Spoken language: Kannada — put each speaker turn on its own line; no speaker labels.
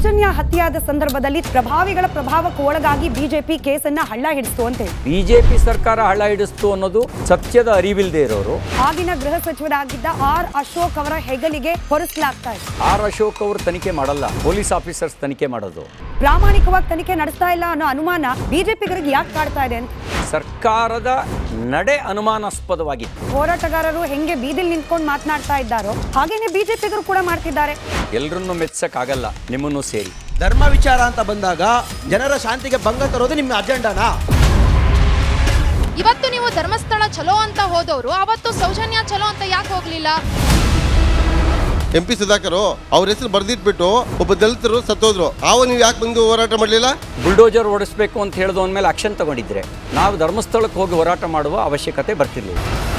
ಸೌಜನ್ಯ ಹತ್ಯೆಯಾದ ಸಂದರ್ಭದಲ್ಲಿ ಪ್ರಭಾವಿಗಳ ಪ್ರಭಾವಕ್ಕೆ ಒಳಗಾಗಿ ಬಿಜೆಪಿ ಕೇಸನ್ನ ಹಳ್ಳ ಹಿಡಿಸ್ತು ಅಂತ ಹೇಳಿ
ಬಿಜೆಪಿ ಸರ್ಕಾರ ಹಳ್ಳ ಹಿಡಿಸ್ತು ಅನ್ನೋದು ಸತ್ಯದ ಅರಿವಿಲ್ಲದೆ ಇರೋರು.
ಆಗಿನ ಗೃಹ ಸಚಿವರಾಗಿದ್ದ ಆರ್ ಅಶೋಕ್ ಅವರ ಹೆಗಲಿಗೆ ಹೊರಿಸಲಾಗ್ತಾ ಇದೆ.
ಆರ್ ಅಶೋಕ್ ಅವರು ತನಿಖೆ ಮಾಡಲ್ಲ, ಪೊಲೀಸ್ ಆಫೀಸರ್ಸ್ ತನಿಖೆ ಮಾಡೋದು.
ಪ್ರಾಮಾಣಿಕವಾಗಿ ತನಿಖೆ ನಡೆಸ್ತಾ ಇಲ್ಲ ಅನ್ನೋ ಅನುಮಾನ ಬಿಜೆಪಿಗರಿಗೆ ಯಾಕೆ ಕಾಡ್ತಾ ಇದೆ ಅಂತ
ಸರ್ಕಾರದ ನಡೆ ಅನುಮಾನಾಸ್ಪದವಾಗಿತ್ತು.
ಹೋರಾಟಗಾರರು ಹೆಂಗೆ ಬೀದಿಲ್ ನಿಂತ್ಕೊಂಡು ಮಾತನಾಡ್ತಾ ಇದ್ದಾರೋ ಹಾಗೇನೆ ಬಿಜೆಪಿಗರು ಕೂಡ ಮಾಡ್ತಿದ್ದಾರೆ.
ಎಲ್ಲರನ್ನೂ ಮೆಚ್ಚಕ್ಕಾಗಲ್ಲ, ನಿಮ್ಮನ್ನು ಸೇರಿ.
ಧರ್ಮ ವಿಚಾರ ಅಂತ ಬಂದಾಗ ಜನರ ಶಾಂತಿಗೆ ಭಂಗ ತರೋದು ನಿಮ್ಮ ಅಜೆಂಡಾನಾ?
ಇವತ್ತು ನೀವು ಧರ್ಮಸ್ಥಳ ಚಲೋ ಅಂತ ಹೋದವರು ಅವತ್ತು ಸೌಜನ್ಯ ಚಲೋ ಅಂತ ಯಾಕೆ ಹೋಗ್ಲಿಲ್ಲ?
MP ಸುಧಾಕರ್ ಅವ್ರ ಹೆಸರು ಬರ್ದಿಟ್ಬಿಟ್ಟು ಒಬ್ಬ ದಲಿತರು ಸತ್ತೋದ್ರು. ನೀವು ಯಾಕೆ ಬಂದು ಹೋರಾಟ ಮಾಡಲಿಲ್ಲ?
ಬುಲ್ಡೋಜರ್ ಓಡಿಸ್ಬೇಕು ಅಂತ ಹೇಳಿದ ಮೇಲೆ ಆಕ್ಷನ್ ತಗೊಂಡಿದ್ರೆ ನಾವು ಧರ್ಮಸ್ಥಳಕ್ಕೆ ಹೋಗಿ ಹೋರಾಟ ಮಾಡುವ ಅವಶ್ಯಕತೆ ಬರ್ತಿರ್ಲಿಲ್ಲ.